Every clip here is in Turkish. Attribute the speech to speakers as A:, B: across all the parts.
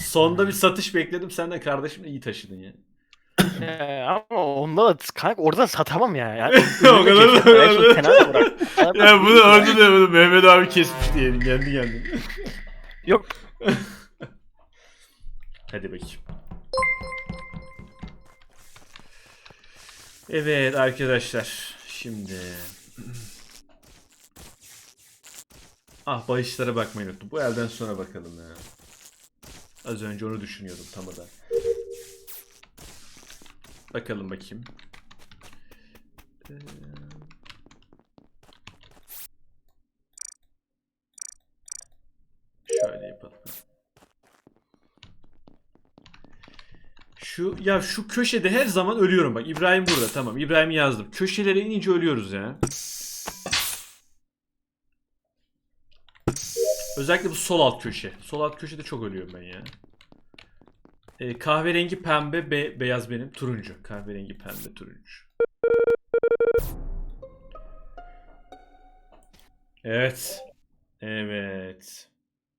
A: Sonda bir satış bekledim. Sen de kardeşim iyi taşıdın ya.
B: Ama onda da kanka orada satamam ya. Yani
A: O kadar da- o kadar da-
B: kenarda bırak.
A: Ya bunu orada da bunu Mehmet abi kesmiş diyelim kendi kendine.
B: Yok.
A: Hadi bakayım. Evet arkadaşlar. Şimdi. Ah bahişlere bakmayı unuttum. Bu elden sonra bakalım ya. Az önce onu düşünüyordum tam da. Bakalım bakayım. Şöyle yapalım. Şu köşede her zaman ölüyorum bak. İbrahim burada tamam. İbrahim'i yazdım. Köşelere inince ölüyoruz ya. Özellikle bu sol alt köşe. Sol alt köşede çok ölüyorum ben ya. Kahverengi pembe beyaz benim. Turuncu. Kahverengi pembe turuncu. Evet. Evet.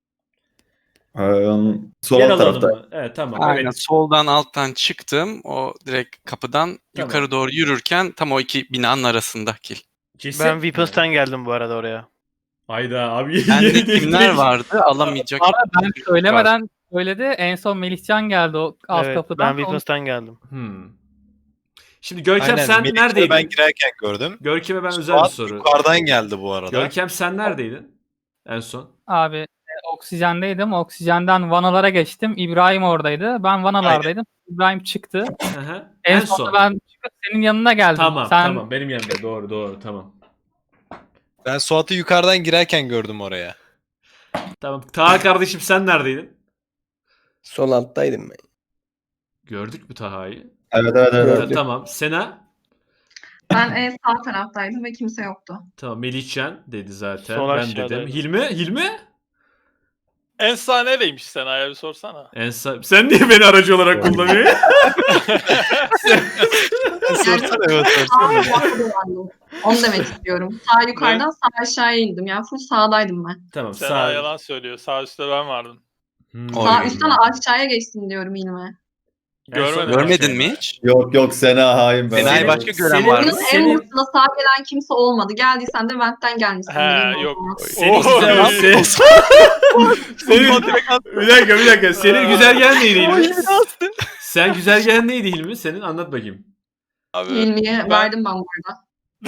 C: Sol
A: Yer
C: alt
A: alalım
C: tarafta.
A: mı? Evet tamam.
D: Aynen
A: Evet.
D: soldan alttan çıktım. O direkt kapıdan
A: Tamam.
D: yukarı doğru yürürken tam o iki binanın arasında kil.
A: Ceset
B: Ben
A: mi?
B: Weapons'tan geldim bu arada oraya.
A: Hayda abi.
D: Bende kimler vardı alamayacak.
E: Abi ben söylemeden söyledi. En son Melihcan geldi o alt
B: Evet,
E: kapıdan.
B: ben Weapons'tan geldim.
A: Şimdi Görkem
F: Aynen,
A: sen
F: Melih'le
A: neredeydin?
F: ben girerken gördüm.
A: Görkem'e ben özel bir
F: Suat
A: soru.
F: yukarıdan geldi bu arada.
A: Görkem sen neredeydin? En son.
E: Abi oksijendeydim. Oksijenden vanalara geçtim. İbrahim oradaydı. Ben vanalardaydım. İbrahim çıktı.
A: Hı hı.
E: En
A: En
E: sonunda
A: son.
E: ben çıkıp senin yanına geldim.
A: Tamam
E: Sen
A: tamam benim yanımda doğru tamam.
F: Ben Suat'ı yukarıdan girerken gördüm oraya.
A: Tamam. Taha kardeşim sen neredeydin?
G: Sol alttaydım ben.
A: Gördük mü Taha'yı?
C: Evet.
A: Tamam. Sena?
H: Ben en sağ taraftaydım ve kimse yoktu.
A: Tamam. Melihcan dedi zaten.
B: Sol
A: ben
B: aşağıdaydım.
A: dedim. Hilmi?
I: En sağ nereymiş Sena'ya bir sorsana.
A: Sen niye beni aracı olarak kullanıyorsun?
F: Sorsana evet
H: Sağ
F: sorsana.
H: tarafa dolandım. Onu demek istiyorum. Sağ yukarıdan sağ aşağıya indim. Yani full sağdaydım ben.
A: Tamam.
I: Sena yalan söylüyor. Sağ üstte ben vardım.
H: Sağ üstten aşağıya geçtim diyorum İlme.
I: Görmedim.
D: Görmedin mi hiç?
C: Yok Sena hain ben.
D: Sena'yı
A: Senin-
D: başka gören
A: senin-
D: var mı?
H: Oyunun en
A: Senin-
H: mutlusuna sağ gelen kimse olmadı. Geldiysen de ventten gelmişsin.
I: He yok.
A: Senin
I: Oo,
A: güzel senin bir dakika. Senin güzergen neydi Hilmi? Sen güzergen neydi Hilmi? Senin anlat bakayım.
I: Abi,
H: İlmi'ye verdim ben burada.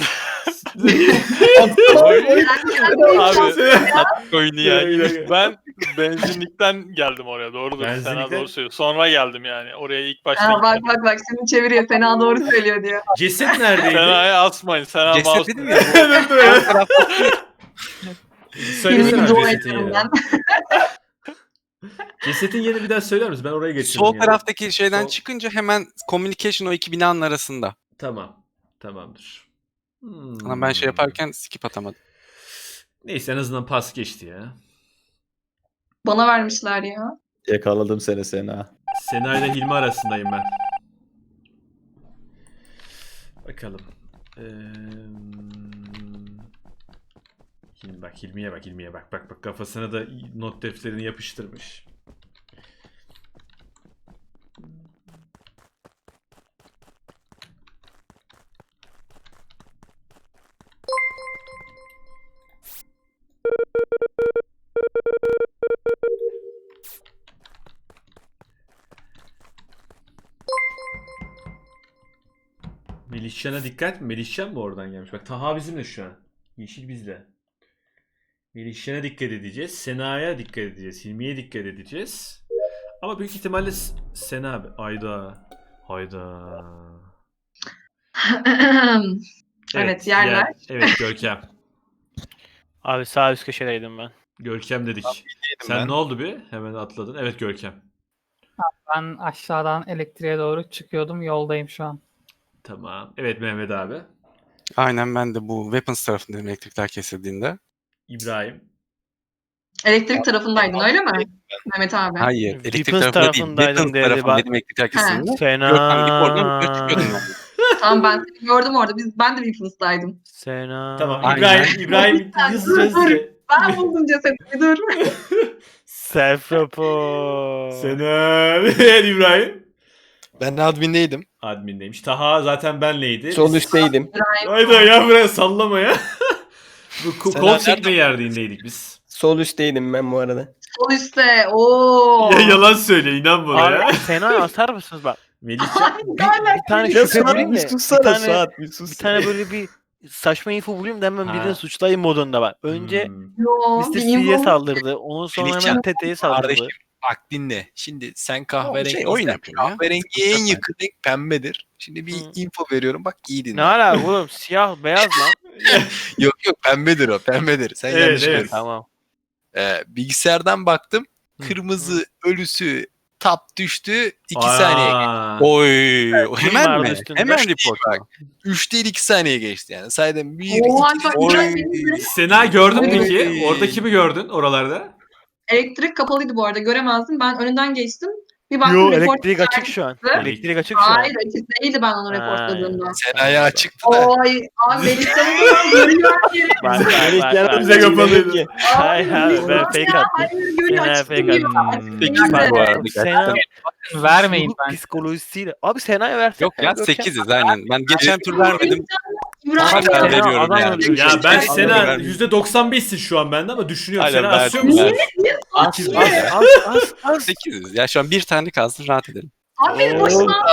I: abi oyunu ya.
A: Bir dakika.
I: Ben benzinlikten geldim oraya. Doğrudur. Sena
A: Benzinlikten?
I: doğru söylüyor. Sonra geldim yani. Oraya ilk başta
H: Bak
I: gitmedim.
H: bak şimdi çeviriyor. Fena doğru söylüyor diyor.
A: Ceset neredeydi?
I: Sena'ya asmayın. Sena
D: Ceset
I: mouse.
D: dedim ya.
A: Dur, dur ya. Söylesene
H: İlmi'yi dua
A: cesetin
H: ediyorum
A: yerini.
H: ben.
A: Cesetin yerini bir daha söyler misin? Ben oraya geçirdim.
D: Sol
A: yani.
D: taraftaki şeyden
A: Sol-
D: çıkınca hemen communication o iki binanın arasında.
A: Tamam. Tamamdır.
D: Ama ben şey yaparken skip atamadım.
A: Neyse en azından pas geçti ya.
H: Bana vermişler ya.
C: Yakaladım seni Sena.
A: Sena ile Hilmi arasındayım ben. Bakalım. Hilmi'ye bak. Bak kafasına da not defterini yapıştırmış. Melihcan'a dikkat mi? Melihcan mı oradan gelmiş? Bak Taha bizimle şu an. Yeşil bizle. Melihcan'a dikkat edeceğiz. Sena'ya dikkat edeceğiz. Hilmi'ye dikkat edeceğiz. Ama büyük ihtimalle Sena abi. Hayda.
H: Evet, yerler.
A: Evet Görkem.
B: Abi sağ üst köşedeydim ben.
A: Görkem dedik. Sen
F: ben.
A: ne oldu bir? Hemen atladın. Evet Görkem.
E: ben aşağıdan elektriğe doğru çıkıyordum. Yoldayım şu an.
A: Tamam. Evet Mehmet abi.
D: Aynen ben de bu weapons tarafındayım elektrikler kesildiğinde.
A: İbrahim.
H: Elektrik tarafındaydın öyle mi? Mehmet abi.
D: Hayır
B: Weapons
D: elektrik tarafında değil.
B: tarafındaydım
D: Weapons
B: dedi,
D: tarafındaydım elektrikler kesildiğinde. Görkem gibi oradan
B: Fena.
D: çıkıyordum ben.
H: Tamam ben seni gördüm orada. Ben de Weapons'taydım.
B: Sena.
A: Tamam
D: Aynen.
A: İbrahim hızlıca.
H: Ben buldum cesedini dur.
B: Self report.
A: Sena. Evet İbrahim.
F: Ben admindeydim.
A: Admindeymiş. Taha zaten benleydi.
G: Sol üstteydim.
A: Hayda ya buraya sallama ya. Bu
F: Sena
A: kol
F: nerede?
A: çekme yerliğindeydik biz.
G: Sol üstteydim ben bu arada.
H: Sol üstte. Oo.
A: Ya yalan söyle inan bana ya.
B: Abi Sena'ya atar mısınız bak?
A: Melihcan.
B: Bir tane
G: Ya
B: şüphe
G: Suat
B: bulayım
G: bir
B: da. Bir
G: sussana
B: tane,
G: Suat bir sus.
B: bir tane böyle bir saçma info bulayım da hemen
A: Ha.
B: birini suçlayayım modunda bak. Önce
A: Hmm.
H: Yo,
B: Mr.
H: bir
B: C'ye
H: info-
B: saldırdı. Ondan sonra
F: Melihcan,
B: hemen TT'ye saldırdı.
F: Kardeşim bak dinle. Şimdi sen kahverengi
D: oyun yapıyor ya.
F: kahverengiye en yakın renk pembedir. Şimdi bir
B: Hı.
F: info veriyorum bak iyi dinle.
B: Ne alaka oğlum? Siyah beyaz lan.
F: Yok yok pembedir o pembedir. Sen
A: Evet,
F: yanlış
A: evet.
F: gördün.
B: Tamam.
F: Bilgisayardan baktım.
A: Hı.
F: Kırmızı ölüsü tap düştü. 2
A: Aa.
F: saniye.
D: Oy. Hemen
B: vardı
D: mi?
B: üstünde.
D: Hemen
F: Beş
D: report.
F: değil bak. 3 değil 2 saniye geçti yani. Saydım 1, 2,
H: Oha, çok
F: 3.
H: güzel değil mi?
A: Sena gördün mü
F: Oy.
A: peki? Orada kimi gördün oralarda?
H: Elektrik kapalıydı bu arada. Göremezdim. Ben önünden geçtim. Bir baktım
B: Yo
H: report
B: elektrik açık şu an.
H: çıktı.
B: Elektrik açık şu an.
H: Hayır açık değildi ben onu
B: Ha,
H: reportladığımda.
F: Sena'ya açıktı da.
H: Oy abi Melihcan'ı da görüyor yeri.
B: Bak, bak,
A: Bize kapalıydı.
G: Ki.
B: Hayır abi ben
H: Melihcan
B: fake
H: ya,
B: attım.
H: hayır görüyor
B: Sena
H: açık
B: fake
H: değil.
A: attım.
H: Açık
D: Peki,
H: değil
D: bak
H: de.
D: bu arada
B: Sena
E: Vermeyin ben.
B: psikolojisiyle. Abi Sena'ya versene.
D: Yok ya 8'iz aynen. Ben geçen tur vermedim.
H: İbrahim
B: Abi,
D: Hala
H: ya.
B: Sena
D: veriyorum
B: adam
D: yani.
B: öldürecek.
A: Ya ben
H: Çok
A: Sena
D: vermiyorum.
A: %95'sin şu an bende ama düşünüyorum.
D: Aynen,
A: Sena
D: ben-
A: asıyor musun?
B: Az.
D: 8'iz. Ya şu an bir tane kalsın rahat edelim.
H: Abi benim başıma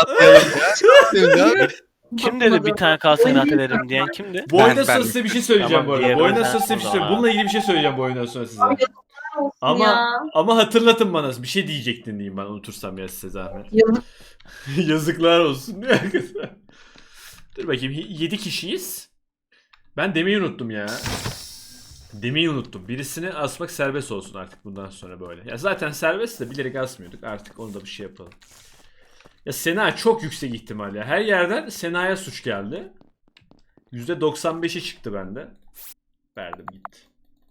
B: Kim dedi bir tane kalsın rahat ederim diyen kimdi?
A: Bu oyundan
D: Ben-
A: sonra
D: ben-
A: size bir şey söyleyeceğim
B: Tamam,
A: bu arada.
B: diğer
A: Bu oyundan
B: oyundan
A: sonra size bir şey
B: sonra.
A: söyleyeceğim. Bununla ilgili bir şey söyleyeceğim bu oyundan sonra size.
H: olsun
A: Ama
H: ya.
A: ama hatırlatın bana. Bir şey diyecektin diyeyim ben unutursam ya size zahmet.
H: Yazık.
A: Yazıklar olsun. Dur bakayım 7 kişiyiz. Ben demeyi unuttum ya. Demeyi unuttum. Birisini asmak serbest olsun artık bundan sonra böyle. Ya zaten serbest de bilerek asmıyorduk. Artık onu da bir şey yapalım. Ya Sena çok yüksek ihtimal ya. Her yerden Sena'ya suç geldi. %95'i çıktı bende. Verdim gitti.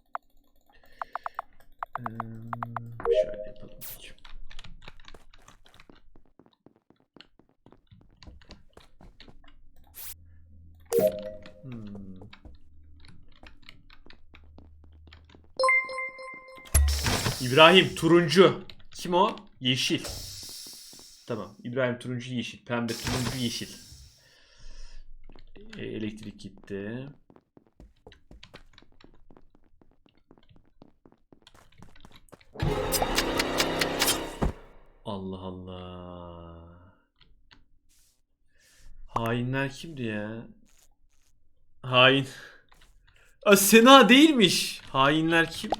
A: Şöyle yapalım. İbrahim turuncu. Kim o? Yeşil. Tamam. İbrahim turuncu yeşil. Pembe turuncu yeşil. Elektrik gitti. Allah Allah. Hainler kimdi ya? Hain. Sena değilmiş. Hainler kim?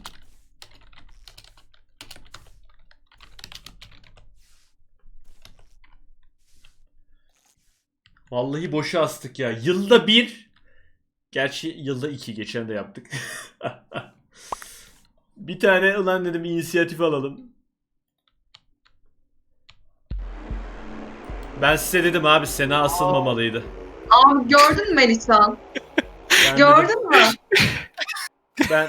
A: Vallahi boşa astık ya. Yılda bir. Gerçi yılda iki. Geçen de yaptık. Bir tane ulan dedim inisiyatif alalım. Ben size dedim abi Sena asılmamalıydı.
H: Abi gördün mü Melihcan?
A: Ben
H: Gördün mü?
A: Ben